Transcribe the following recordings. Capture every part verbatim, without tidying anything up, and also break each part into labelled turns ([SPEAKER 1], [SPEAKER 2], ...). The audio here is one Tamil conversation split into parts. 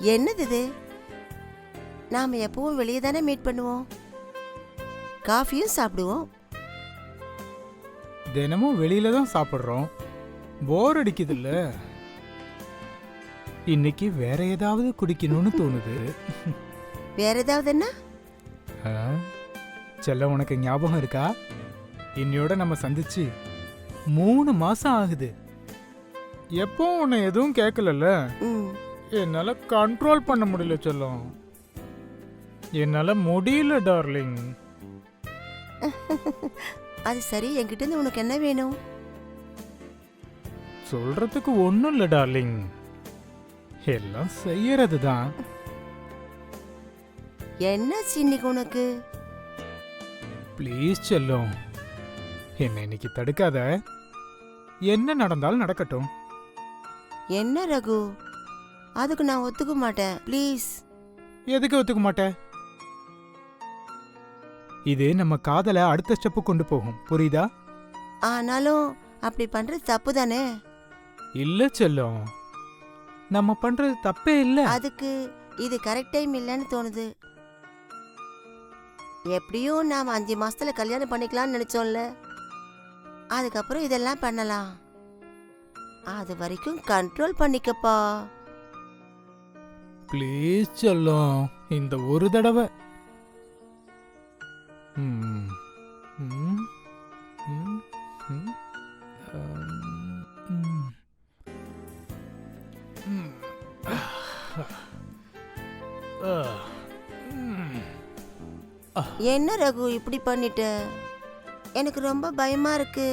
[SPEAKER 1] என்னது இது? நாம எப்பவும் வெளியே தானே மீட் பண்ணுவோம், காஃபியும் சாப்பிடுவோம்.
[SPEAKER 2] தினமும் வெளியில தான் சாப்பிடுறோம், போர் அடிக்குது இல்ல? இன்னைக்கு வேற ஏதாவது குடிக்கணும்னு தோணுது.
[SPEAKER 1] வேற ஏதாவது என்ன?
[SPEAKER 2] ஆ, செல்ல உனக்கு ஞாபகம் இருக்கா? இன்னையோட நம்ம சந்திச்சு மூணு மாசம் ஆகுது. எப்போ உன்னை எதுவும் கேட்கலல்ல,
[SPEAKER 1] ம்,
[SPEAKER 2] என்னால கண்ட்ரோல் பண்ண முடியல செல்லம். என்னால முடியல டார்லிங்.
[SPEAKER 1] அது சரி, என்கிட்ட இருந்து உனக்கு என்ன வேணும்?
[SPEAKER 2] சொல்றதுக்கு ஒண்ணும் இல்ல டார்லிங், எல்லாம் செய்யறது தான்.
[SPEAKER 1] என்னாச்சு இன்னைக்கு உனக்கு?
[SPEAKER 2] ப்ளீஸ் செல்லம், என்ன இன்னைக்கு தடுக்காத. என்ன நடந்தாலும் நடக்கட்டும்.
[SPEAKER 1] என்ன ரகு, அதுக்கு நான் ஒத்துக்க மாட்டேன், ப்ளீஸ்.
[SPEAKER 2] எதுக்கு ஒத்துக்க மாட்டேன்? இது நம்ம காதலை அடுத்த ஸ்டெப்பு கொண்டு போகும், புரியுதா?
[SPEAKER 1] ஆனாலும் அப்படி பண்றது தப்பு தானே.
[SPEAKER 2] இல்ல செல்லம், நம்ம பண்றது தப்பே இல்ல.
[SPEAKER 1] அதுக்கு இது கரெக்ட் டைம் இல்லைன்னு தோணுது. எப்படியும் நாம அஞ்சு மாசத்துல கல்யாணம் பண்ணிக்கலாம்னு நினைச்சோம்ல, அதுக்கப்புறம் இதெல்லாம் பண்ணலாம். அது வரைக்கும் கண்ட்ரோல் பண்ணிக்கப்பா.
[SPEAKER 2] ப்ளீஸ் செல்லம், இந்த ஒரு தடவை. ம், ம், ம், ம், ம், ம்.
[SPEAKER 1] என்ன ரகு இப்படி பண்ணிட்ட? எனக்கு ரொம்ப பயமா இருக்கு.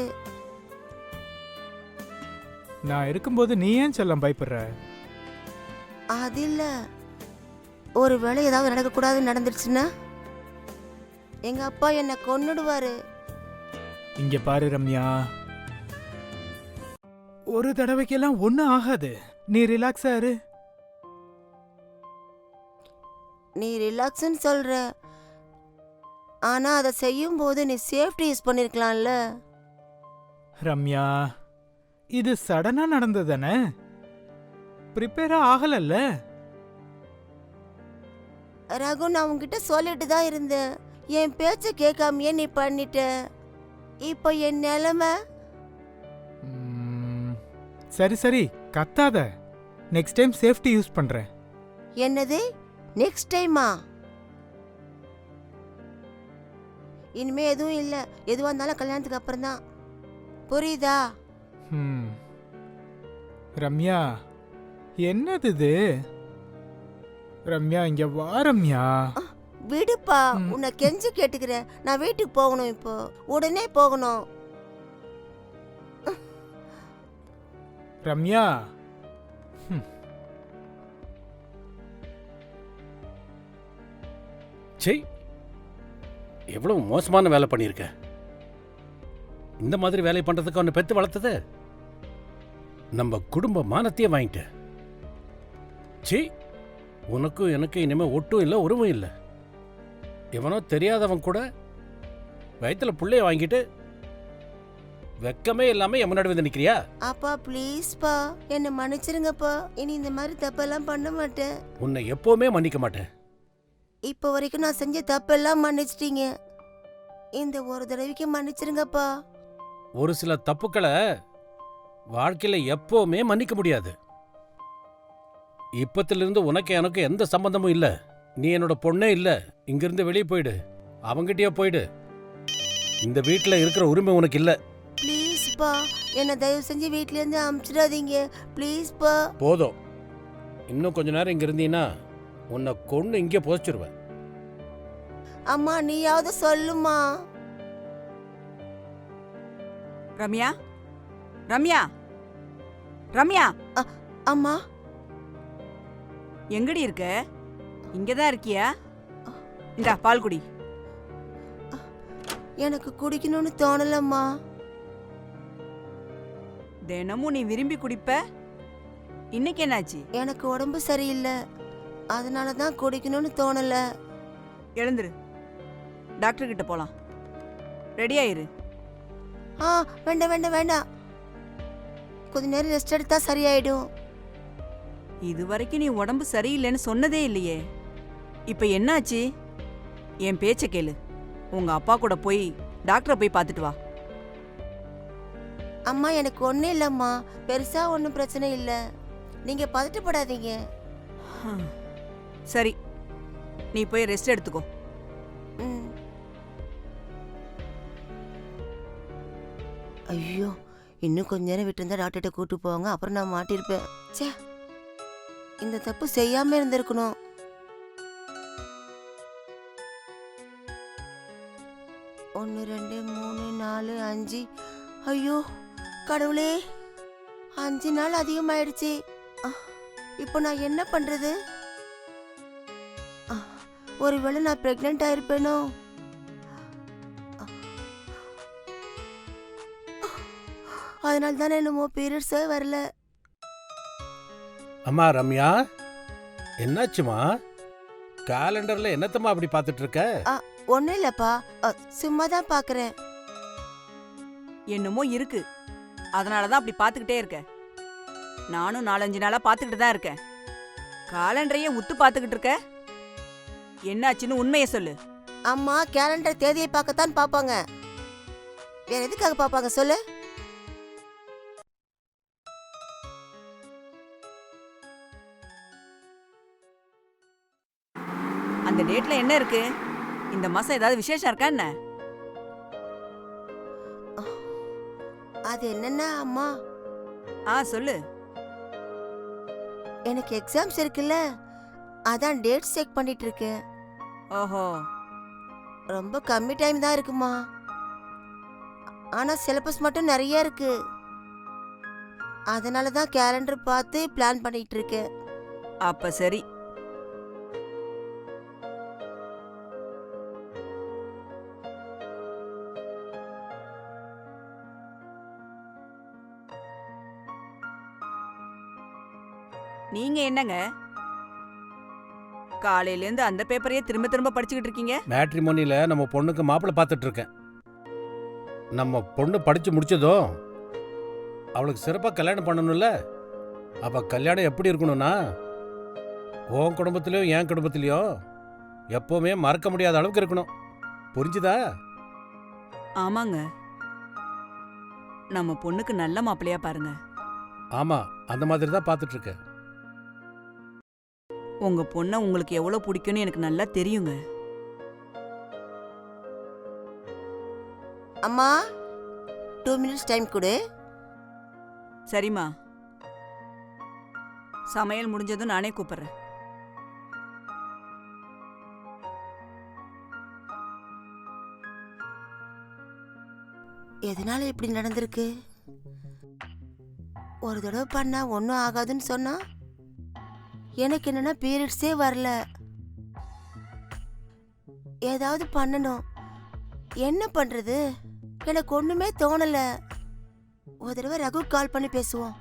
[SPEAKER 2] நான் இருக்கும்போது நீ ஏன் செல்லம் பயப்படுற?
[SPEAKER 1] அது இல்ல, ஒரு வேளை ஏதாவது நடக்க கூடாது நடந்துருச்சுன்னா எங்க அப்பா என்ன கொன்னுடுவாரு.
[SPEAKER 2] இங்க பாரு ரம்யா, ஒரு தடவைக்கெல்லாம் ஒன்னும் ஆகாது. நீ ரிலாக்ஸா இரு.
[SPEAKER 1] நீ ரிலாக்ஸ்ன்னு சொல்ற, ஆனா அதை செய்யும் போது நீ சேஃப்டி யூஸ் பண்ணிருக்கலாம்ல.
[SPEAKER 2] ரம்யா, இது சடனா நடந்ததானே, ப்ரிப்பேரா ஆகலல்ல.
[SPEAKER 1] ரகு, நான் உன்கிட்ட சொல்லிட்டு தான் இருந்தேன், என் பேச்ச கேட்காமையே நீ பண்ணிட்ட. இப்போ என் நிலைமை.
[SPEAKER 2] ம், சரி சரி கத்தாத. நெக்ஸ்ட் டைம் சேஃப்டி யூஸ் பண்றேன்.
[SPEAKER 1] என்னது நெக்ஸ்ட் டைமா? இனிமே எதுவும் இல்ல, எதுவா இருந்தாலும் கல்யாணத்துக்கு அப்புறம் தான், புரியுதா?
[SPEAKER 2] ம். ரம்யா, என்னது இது? ரம்யா, இங்க வா ரம்யா.
[SPEAKER 1] விடுப்பா, உன்னை கெஞ்சி கேட்டுக்கிறேன். நான் வீட்டுக்கு போகணும், இப்போ உடனே போகணும்.
[SPEAKER 2] ரம்யா,
[SPEAKER 3] செய், எவ்வளவு மோசமான வேலை பண்ணியிருக்க. இந்த மாதிரி வேலை பண்றதுக்கு அவனை பெத்து வளர்த்தது நம்ம குடும்ப மானத்தையே வாங்கிட்ட. சி, உனக்கும் எனக்கு இனிமே ஒட்டும் இல்லை, உருவும் இல்லை. எவனோ தெரியாதவன் கூட வயிற்றுல புள்ளைய வாங்கிட்டு வெக்கமே இல்லாம என் முன்னாடி வந்து நிக்கிறியா?
[SPEAKER 1] அப்பா ப்ளீஸ்ப்பா, என்ன மன்னிச்சிருங்கப்பா. இனி இந்த மாதிரி தப்பெல்லாம் பண்ண மாட்டேன்.
[SPEAKER 3] உன்னை எப்பவுமே மன்னிக்க மாட்டேன்.
[SPEAKER 1] இப்போ வரைக்கும் நான் செஞ்ச தப்பெல்லாம் மன்னிச்சிட்டீங்க, இந்த ஒரு தடவைக்கு மன்னிச்சிருங்கப்பா.
[SPEAKER 3] ஒரு சில தப்புக்களை வாழ்க்கையில எப்பவுமே மன்னிக்க முடியாது. இப்பத்திலிருந்து உனக்கு எனக்கு எந்த சம்பந்தமும் இல்ல. நீ என்னோட பொண்ணே இல்ல. இங்கிருந்து வெளியே போயிடு, அவங்கிட்டயே போயிடு. இந்த வீட்டுல இருக்கிற உரிமை உனக்கு இல்ல.
[SPEAKER 1] ப்ளீஸ்ப்பா, என்ன தயவு செஞ்சு வீட்ல இருந்து அனுப்பிச்சிடாதீங்க, ப்ளீஸ்ப்பா.
[SPEAKER 3] போதும், இன்னும் கொஞ்ச நேரம் இங்க இருந்தீன்னா உன்னை கொண்டு இங்கே போச்சிருவேன்.
[SPEAKER 1] அம்மா, நீயாவது சொல்லுமா.
[SPEAKER 4] ரம்யா, ரம்யா, ரம்யா.
[SPEAKER 1] அம்மா,
[SPEAKER 4] எங்கடி இருக்க? இங்கதான் இருக்கியா? இந்தா பால் குடி.
[SPEAKER 1] எனக்கு குடிக்கணும்னு தோணலம்மா.
[SPEAKER 4] தினமும் நீ விரும்பி குடிப்ப, இன்னைக்கு என்னாச்சு?
[SPEAKER 1] எனக்கு உடம்பு சரியில்லை, அதனால தான் குடிக்கணும்னு தோணல.
[SPEAKER 4] எழுந்துரு, டாக்டர் கிட்ட போலாம். ரெடியாயிரு.
[SPEAKER 1] ஆ, வேண்டாம் வேண்டாம் வேண்டாம், கொஞ்ச நேரம் ரெஸ்ட் எடுத்தா சரியாயிடும்.
[SPEAKER 4] இது வரைக்கும் நீ உடம்பு சரியில்லைன்னு சொன்னதே இல்லையே. இப்ப என்னாச்சு? என் பேச்ச கேளு. உங்க அப்பா கூட போய் டாக்டரை போய் பார்த்துட்டு வா.
[SPEAKER 1] அம்மா எனக்கு ஒன்றும் இல்லைம்மா, பெருசா ஒன்றும் பிரச்சனை இல்லை, நீங்க பதட்டப்படாதீங்க.
[SPEAKER 4] ஹம். சரி, நீ போய் ரெஸ்ட் எடுத்துக்கோ.
[SPEAKER 1] ம். ஐயோ, இன்னும் கொஞ்ச நேரம் விட்டுருந்தா டாக்டர்கிட்ட கூட்டு போவாங்க, அப்புறம் நான் மாட்டிருப்பேன். ச்சே, இந்த தப்பு செய்யாம இருந்திருக்கணும். ஒன்று ரெண்டு மூணு நாலு அஞ்சு. ஐயோ கடவுளே, அஞ்சு நாள் அதிகமாயிடுச்சு. அஹ், இப்போ நான் என்ன பண்றது? அஹ், ஒருவேளை நான் பிரெக்னென்ட் ஆயிருப்பேனோ? அதனால தானே என்னமோ பீரியட்ஸே வரல.
[SPEAKER 3] அம்மா ரம்யா, என்னாச்சுமா? காலண்டர்ல என்னத்தம்மா அப்படி பார்த்துட்டு இருக்க?
[SPEAKER 1] ஒன்றும் இல்லைப்பா, சும்மா தான் பார்க்குறேன்.
[SPEAKER 4] என்னமோ இருக்கு, அதனாலதான் அப்படி பாத்துக்கிட்டே இருக்க. நானும் நாலஞ்சு நாளா பாத்துக்கிட்டு தான் இருக்கேன். காலண்டரையே உத்து பாத்துக்கிட்டு இருக்க. என்னாச்சுன்னு உண்மையை சொல்லு.
[SPEAKER 1] அம்மா கேலண்டர் தேதியை பார்க்கத்தான் பார்ப்பாங்க, வேற எதுக்காக பார்ப்பாங்க சொல்லு?
[SPEAKER 4] அந்த டேட்ல என்ன இருக்கு? இந்த மாசம் ஏதாவது விசேஷம் இருக்கா என்ன?
[SPEAKER 1] அது என்னன்னா அம்மா,
[SPEAKER 4] ஆ சொல்லு.
[SPEAKER 1] எனக்கு எக்ஸாம்ஸ் இருக்குல்ல, அதான் டேட் செக் பண்ணிட்டு இருக்கேன்.
[SPEAKER 4] ஓஹோ,
[SPEAKER 1] ரொம்ப கம்மி டைம் தான் இருக்குமா, ஆனா சிலபஸ் மட்டும் நிறைய இருக்கு. அதனால தான் கேலண்டர் பார்த்து பிளான் பண்ணிட்டு இருக்கேன்.
[SPEAKER 4] அப்ப சரி. நீங்க என்னங்க காலையில இருந்து அந்த பேப்பரையே திரும்ப திரும்ப படிச்சுக்கிட்டு இருக்கீங்க?
[SPEAKER 3] மேட்ரிமோனியில நம்ம பொண்ணுக்கு மாப்பிள்ளை பார்த்துட்டு இருக்கேன். நம்ம பொண்ணு படிச்சு முடிச்சதும் அவளுக்கு சிறப்பா கல்யாணம் பண்ணணும்ல. அப்ப கல்யாணம் எப்படி இருக்கணும்னா, உன் குடும்பத்திலயும் என் குடும்பத்திலயும் எப்பவுமே மறக்க முடியாத அளவுக்கு இருக்கணும். புரிஞ்சுதா?
[SPEAKER 4] ஆமாங்க, நம்ம பொண்ணுக்கு நல்ல மாப்பிள்ளையா பாருங்க.
[SPEAKER 3] ஆமா, அந்த மாதிரி தான் பார்த்துட்டு இருக்கேன்.
[SPEAKER 4] உங்க பொண்ண உங்களுக்கு எவ்வளவு பிடிக்கும்னு எனக்கு நல்லா தெரியுங்க.
[SPEAKER 1] அம்மா, டூ மினிட்ஸ் டைம் கொடு.
[SPEAKER 4] சரிம்மா, சமையல் முடிஞ்சதும் நானே கூப்பிடுறேன்.
[SPEAKER 1] எதனால இப்படி நடந்திருக்கு? ஒரு தடவை பண்ணா ஒன்றும் ஆகாதுன்னு சொன்னா, எனக்கு என்னன்னா பீரியட்ஸே வரல. ஏதாவது பண்ணணும், என்ன பண்றது? எனக்கு ஒண்ணுமே தோணல. ஒரு தடவை ரகு கால் பண்ணி பேசுவோம்.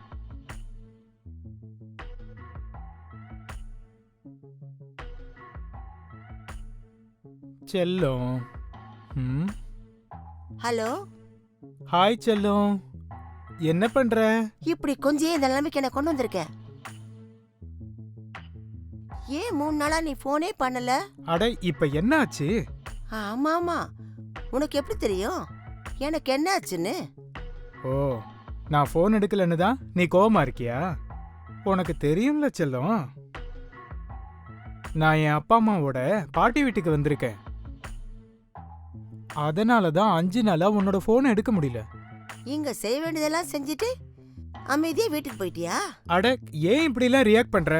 [SPEAKER 2] செல்லம். ம்.
[SPEAKER 1] ஹலோ,
[SPEAKER 2] ஹாய் செல்லம், என்ன பண்ற?
[SPEAKER 1] இப்படி கொஞ்சம் இந்த நிலைமைக்கு என்ன கொண்டு வந்திருக்க? ஏன் மூணு நாளா நீ போனே பண்ணல?
[SPEAKER 2] அட இப்ப என்ன ஆச்சு?
[SPEAKER 1] ஆமா ஆமா, உனக்கு எப்படி தெரியும் எனக்கு என்ன ஆச்சுன்னு?
[SPEAKER 2] ஓ, நான் ஃபோன் எடுக்கலன்னு தான் நீ கோவமா இருக்கியா? உனக்கு தெரியும்ல செல்லம், நான் என் அப்பா அம்மாவோட பாட்டி வீட்டுக்கு வந்திருக்கேன். அதனால தான் அஞ்சு நாளா உன்னோட ஃபோன் எடுக்க முடியல.
[SPEAKER 1] இங்க செய்ய வேண்டியதெல்லாம் செஞ்சுட்டு அமைதியா வீட்டுக்கு போயிட்டியா?
[SPEAKER 2] அட ஏன் இப்படிலாம் ரியாக்ட் பண்ற?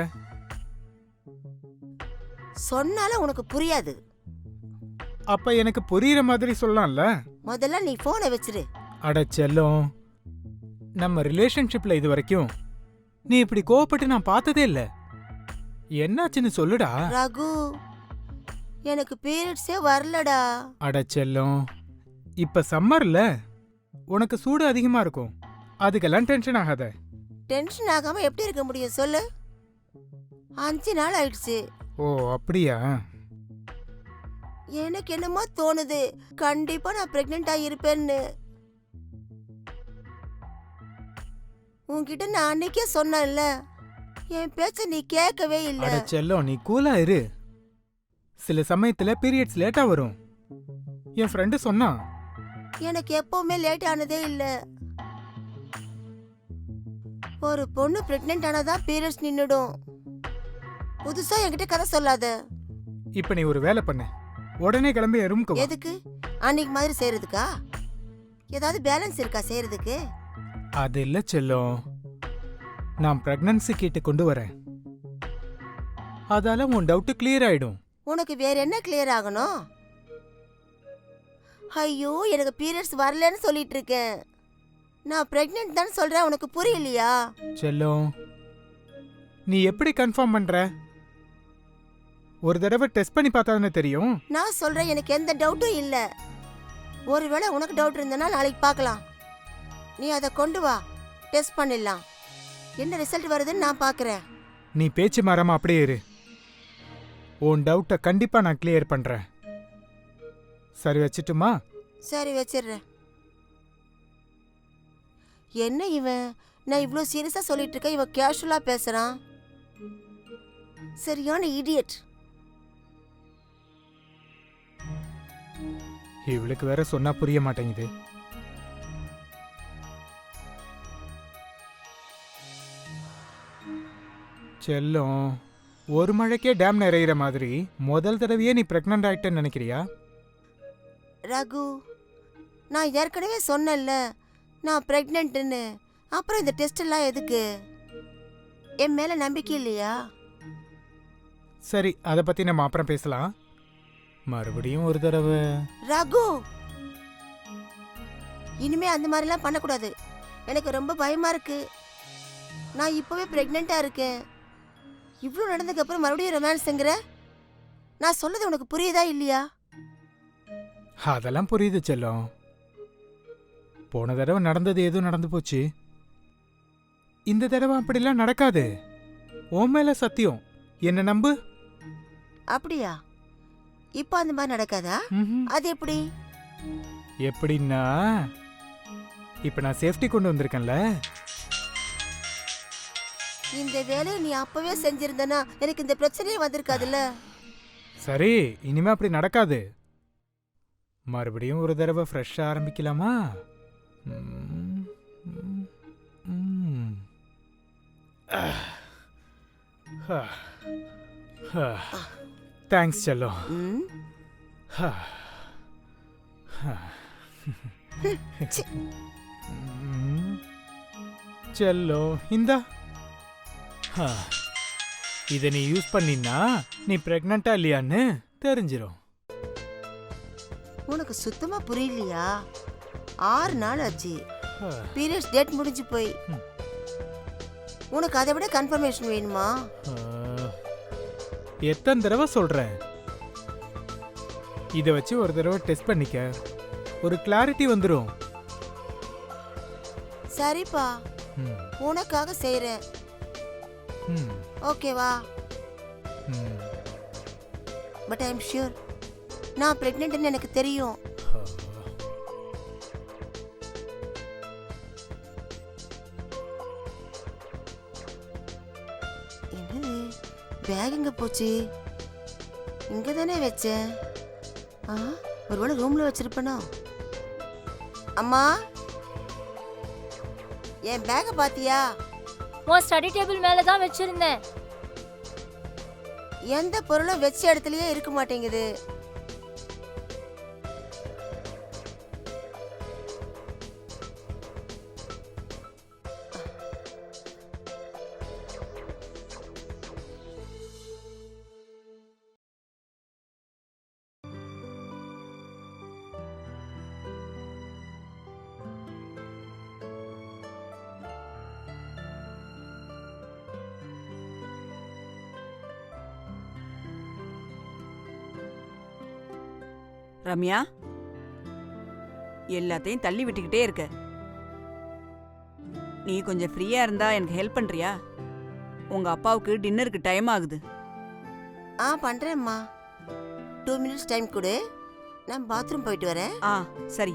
[SPEAKER 1] சொன்னாலும் உனக்கு புரியாது.
[SPEAKER 2] அப்ப எனக்கு புரியுற மாதிரி சொல்லலாம்ல.
[SPEAKER 1] முதல்ல நீ போனை வச்சிரு.
[SPEAKER 2] அட செல்லம், நம்ம ரிலேஷன்ஷிப்ல இது வரைக்கும் நீ இப்படி கோவப்பட்டு நான் பார்த்ததே இல்ல. என்னாச்சுன்னு சொல்லுடா.
[SPEAKER 1] ரகு, எனக்கு பீரியட்ஸே வரலடா.
[SPEAKER 2] அட செல்லம், இப்ப சம்மர்ல உனக்கு சூடு அதிகமா இருக்கும், அதுக்கெல்லாம் டென்ஷன் ஆகாத.
[SPEAKER 1] டென்ஷன் ஆகாம எப்படி இருக்க முடியும் சொல்லு? அஞ்சு நாள் ஆயிடுச்சு.
[SPEAKER 2] ஓ அப்படியா?
[SPEAKER 1] எனக்கு என்னமோ தோணுது, கண்டிப்பா நான் பிரெக்னெண்டா இருப்பேன்னு. உன்கிட்ட நான் அன்னைக்கே சொன்னேன்ல, என் பேச்ச நீ கேட்கவே இல்ல.
[SPEAKER 2] அட செல்லம், நீ கூலா இரு. சில சமயத்துல பீரியட்ஸ் லேட்டா வரும். என் ஃப்ரெண்டு சொன்னான்.
[SPEAKER 1] எனக்கு எப்பவுமே லேட் ஆனதே இல்ல. ஒரு பொண்ணு பிரெக்னென்ட் ஆனதா பீரியட்ஸ் நின்னுடும். புதுசா என்கிட்ட கதை சொல்லாத.
[SPEAKER 2] இப்ப நீ ஒரு வேலை பண்ணு, உடனே கிளம்பி என் ரூமுக்கு வா.
[SPEAKER 1] எதுக்கு? அன்னைக்கு மாதிரி செய்யறதுக்கா? ஏதாவது பேலன்ஸ் இருக்கா செய்யறதுக்கு?
[SPEAKER 2] அது இல்ல செல்லம், நான் பிரெக்னன்சி கிட்ட கொண்டு வரேன். அதால உன் டவுட் கிளியர் ஆயிடும்.
[SPEAKER 1] உனக்கு வேற என்ன கிளியர் ஆகணும்? ஐயோ, எனக்கு பீரியட்ஸ் வரலன்னு சொல்லிட்டு இருக்கேன். நான் பிரெக்னென்ட் தான் சொல்றேன், உனக்கு புரியலையா?
[SPEAKER 2] செல்லம், நீ எப்படி கன்ஃபார்ம் பண்ற? ஒரு தடவை டெஸ்ட் பண்ணி பார்த்தாதானே தெரியும்.
[SPEAKER 1] நான் சொல்றேன், எனக்கு எந்த டவுட்டும் இல்ல. ஒருவேளை உனக்கு டவுட் இருந்தனா நாளைக்கு பார்க்கலாம். நீ அதை கொண்டு வா, டெஸ்ட் பண்ணிடலாம். என்ன ரிசல்ட் வருதுன்னு நான் பார்க்கறேன்.
[SPEAKER 2] நீ பேச்சு மாறாம அப்படியே இரு. உன் டவுட்டை கண்டிப்பா நான் கிளியர் பண்றேன். சரி, வச்சுட்டுமா?
[SPEAKER 1] சரி, வச்சிடுறேன். என்ன இவன், நான் இவ்ளோ சீரியஸா சொல்லிட்டு இருக்கேன், இவன் கேஷுவலா பேசுறான். சரியான இடியட்.
[SPEAKER 2] இவளுக்கு வேற சொன்னா புரிய மாட்டேங்குது. செல்லம், ஒரு மழைக்கே டேம் நிறையிற மாதிரி முதல் தடவையே நீ பிரெக்னன்ட் ஆயிட்டேன்னு நினைக்கிறியா?
[SPEAKER 1] ரகு, நான் ஏற்கனவே சொன்னேன்ல நான் பிரெக்னென்ட்னு. அப்புறம் இந்த டெஸ்ட் எல்லாம் எதுக்கு? என் மேல நம்பிக்கை இல்லையா?
[SPEAKER 2] சரி, அதை பத்தி நம்ம அப்புறம் பேசலாம். மறுபடியும் ஒரு தடவை.
[SPEAKER 1] ரகு, இனிமே அந்த மாதிரிலாம் பண்ணக்கூடாது. எனக்கு ரொம்ப பயமா இருக்கு. நான் இப்பவே பிரெக்னெண்டா இருக்கேன். இவ்வளோ நடந்ததுக்கு அப்புறம் மறுபடியும் ரொமான்ஸ்ங்கிற? நான் சொன்னது உனக்கு புரியுதா இல்லையா?
[SPEAKER 2] அதெல்லாம் புரியுது செல்லம். போன தடவை நடந்தது எதுவும் நடந்து போச்சு. இந்த தடவை அப்படிலாம் நடக்காது. உன் மேல சத்தியம், என்ன நம்பு.
[SPEAKER 1] அப்படியா? இப்போ அந்த மாதிரி நடக்காதா?
[SPEAKER 2] ம்ஹும்.
[SPEAKER 1] அது எப்படி?
[SPEAKER 2] எப்படின்னா, இப்ப நான் சேஃப்டி கொண்டு வந்திருக்கேன்ல.
[SPEAKER 1] இந்த வேலையை நீ அப்பவே செஞ்சிருந்தனா எனக்கு இந்த பிரச்சனையே வந்திருக்காதுல்ல.
[SPEAKER 2] சரி, இனிமே அப்படி நடக்காது. மறுபடியும் ஒரு தடவை ஃப்ரெஷ்ஷா ஆரம்பிக்கலாமா? ம், ம், ம். ஆஹ். ஆஹ். ஆஹ். தேங்க்ஸ் செல்லம்.
[SPEAKER 1] ம்?
[SPEAKER 2] ஆஹ். ஆஹ்.
[SPEAKER 1] சி.
[SPEAKER 2] ம். செல்லம், இந்தா. ஆஹ். இதை நீ யூஸ் பண்ணினா நீ பிரெக்னண்டா இல்லையான்னு தெரிஞ்சிடும்.
[SPEAKER 1] உனக்கு சுத்தமா புரியலையா? ஆறு நாள் ஆச்சு,
[SPEAKER 2] ஆஹ்.
[SPEAKER 1] பீரியட்ஸ் டேட் முடிஞ்சு போய்.
[SPEAKER 2] ம்.
[SPEAKER 1] உனக்கு அதை விட கன்ஃபர்மேஷன் வேணுமா?
[SPEAKER 2] ஆஹ். எத்தனை தடவை சொல்றேன்? இதை வச்சு ஒரு தடவை டெஸ்ட் பண்ணிக்க, ஒரு கிளாரிட்டி வந்துடும்.
[SPEAKER 1] சரிப்பா,
[SPEAKER 2] ம்.
[SPEAKER 1] உனக்காக செய்றேன்.
[SPEAKER 2] ம்.
[SPEAKER 1] ஓகேவா?
[SPEAKER 2] ம்.
[SPEAKER 1] பட் ஐ எம் ஷூர் நான் பிரெக்னென்ட்னு எனக்கு தெரியும்.
[SPEAKER 2] ஆஹ்.
[SPEAKER 1] என்னது, பேக் எங்க போச்சு? இங்க தானே வச்சேன். ஆ, ஒருவேளை ரூம்ல வச்சிருப்பேனோ? அம்மா, என் பேக்கை பாத்தியா?
[SPEAKER 5] உன் ஸ்டடி டேபிள் மேல தான் வச்சிருந்தேன்.
[SPEAKER 1] எந்த பொருளும் வச்ச இடத்துலயே இருக்க மாட்டேங்குது.
[SPEAKER 4] ரம்யா, எல்லாத்தையும் தள்ளி விட்டுக்கிட்டே இருக்க. நீ கொஞ்சம் ஃப்ரீயா இருந்தா எனக்கு ஹெல்ப் பண்றியா? உங்க அப்பாவுக்கு டின்னருக்கு டைம் ஆகுது.
[SPEAKER 1] ஆ, பண்றேம்மா. டூ மினிட்ஸ் டைம் கொடு, நான் பாத்ரூம் போயிட்டு வரேன்.
[SPEAKER 4] ஆ, சரி,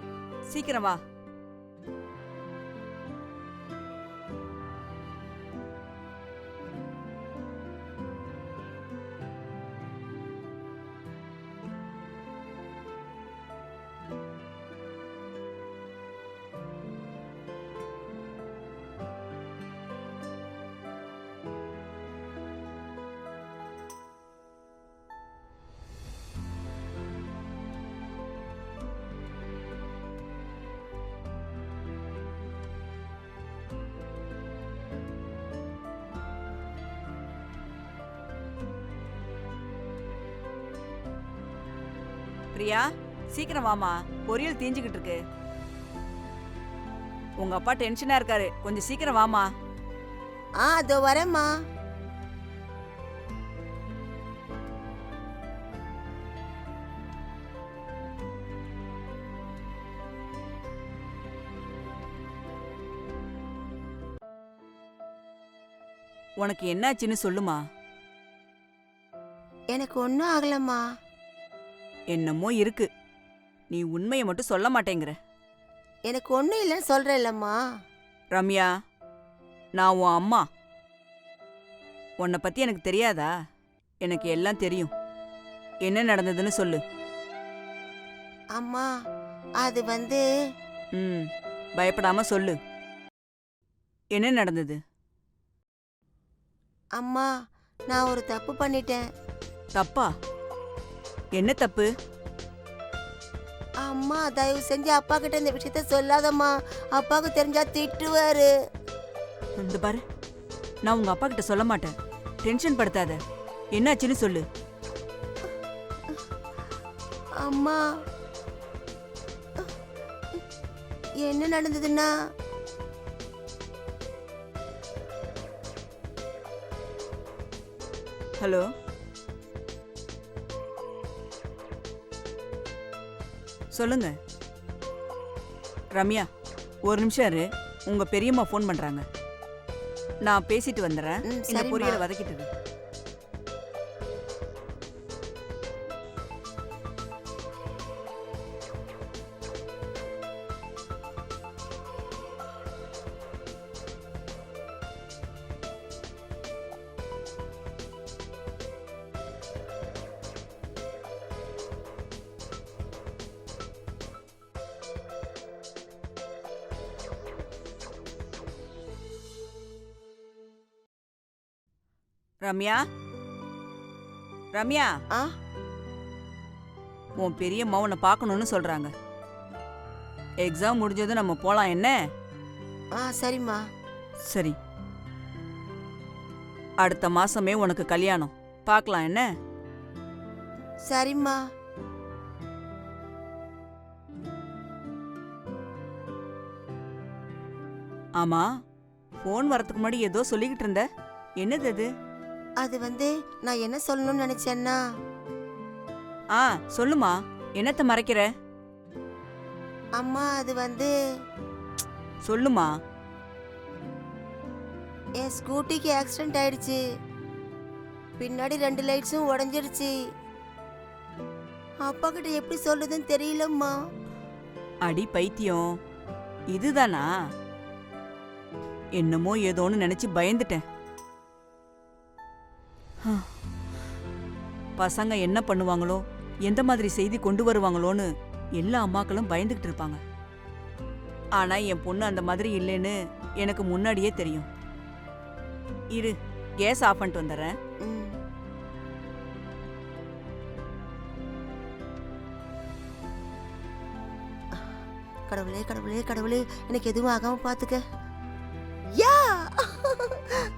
[SPEAKER 4] சீக்கிரம் வா. பிரியா சீக்கிரம் வாமா, பொரியல் தீஞ்சுக்கிட்டு இருக்கு. உங்க அப்பா டென்ஷனா இருக்காரு, கொஞ்சம் சீக்கிரம் வாமா.
[SPEAKER 1] ஆ அதோ வரேம்மா.
[SPEAKER 4] உனக்கு என்னாச்சுன்னு சொல்லுமா.
[SPEAKER 1] எனக்கு ஒன்றும் ஆகலம்மா.
[SPEAKER 4] என்னமோ இருக்கு, நீ உண்மையை மட்டும் சொல்ல மாட்டேங்கிற.
[SPEAKER 1] எனக்கு ஒன்றும் இல்லைன்னு சொல்கிறேன் இல்லம்மா.
[SPEAKER 4] ரம்யா, நான் உன் அம்மா. உன்னை பத்தி எனக்கு தெரியாதா? எனக்கு எல்லாம் தெரியும். என்ன நடந்ததுன்னு சொல்லு.
[SPEAKER 1] அம்மா அது வந்து
[SPEAKER 4] ம் பயப்படாம சொல்லு. என்ன நடந்தது?
[SPEAKER 1] அம்மா நான் ஒரு தப்பு பண்ணிட்டேன்.
[SPEAKER 4] தப்பா? என்ன தப்பு?
[SPEAKER 1] அம்மா தயவு செஞ்சு அப்பா கிட்ட இந்த விஷயத்த சொல்லாதம்மா. அப்பாவுக்கு தெரிஞ்சா திட்டுவாரு.
[SPEAKER 4] இந்த பாரு, நான் உங்க அப்பா கிட்ட சொல்ல மாட்டேன். டென்ஷன் படுத்தாத. என்னாச்சுன்னு சொல்லு.
[SPEAKER 1] அம்மா என்ன நடந்ததுன்னா,
[SPEAKER 4] ஹலோ, சொல்லுங்க. ரம்யா, ஒரு நிமிஷம் இரு. உங்க பெரியம்மா ஃபோன் பண்றாங்க. நான் பேசிட்டு வந்துடுறேன்.
[SPEAKER 1] ம்,
[SPEAKER 4] இந்த
[SPEAKER 1] சரிம்மா.
[SPEAKER 4] பொரியலை வதக்கிட்டு. ரம்யா, ரம்யா,
[SPEAKER 1] ஆ
[SPEAKER 4] உன் பெரியம்மா உன்னை பார்க்கணும்னு சொல்றாங்க. எக்ஸாம் முடிஞ்சதும் நம்ம போலாம் என்ன?
[SPEAKER 1] ஆ சரிம்மா.
[SPEAKER 4] சரி, அடுத்த மாசமே உனக்கு கல்யாணம். பார்க்கலாம் என்ன?
[SPEAKER 1] சரிம்மா.
[SPEAKER 4] ஆமா, ஃபோன் வரதுக்கு முன்னாடி ஏதோ சொல்லிக்கிட்டு இருந்த. என்னது அது?
[SPEAKER 1] அது வந்து நான் என்ன சொல்லணும்னு நினைச்சேன்னா,
[SPEAKER 4] ஆ சொல்லுமா, என்னத்த மறைக்கிற?
[SPEAKER 1] அம்மா அது வந்து
[SPEAKER 4] சொல்லுமா.
[SPEAKER 1] என் ஸ்கூட்டிக்கு ஆக்சிடென்ட் ஆயிடுச்சு. பின்னாடி ரெண்டு லைட்ஸும் உடஞ்சிருச்சு. அப்பா கிட்ட எப்படி சொல்றதுன்னு தெரியலம்மா.
[SPEAKER 4] அடி பைத்தியம், இதுதானா? என்னமோ ஏதோன்னு நினைச்சு பயந்துட்டேன். பசங்க என்ன பண்ணுவாங்களோ, எந்த மாதிரி செய்தி கொண்டு வருவாங்களோன்னு எல்லா அம்மாக்களும் பயந்துகிட்டு இருப்பாங்க. ஆனா என் பொண்ணு அந்த மாதிரி இல்லைன்னு எனக்கு முன்னாடியே தெரியும். இரு, கேஸ் ஆஃப் பண்ணிட்டு வந்துடுறேன்.
[SPEAKER 1] ம். கடவுளே கடவுளே கடவுளே, எனக்கு எதுவும் ஆகாம பாத்துக்க. யா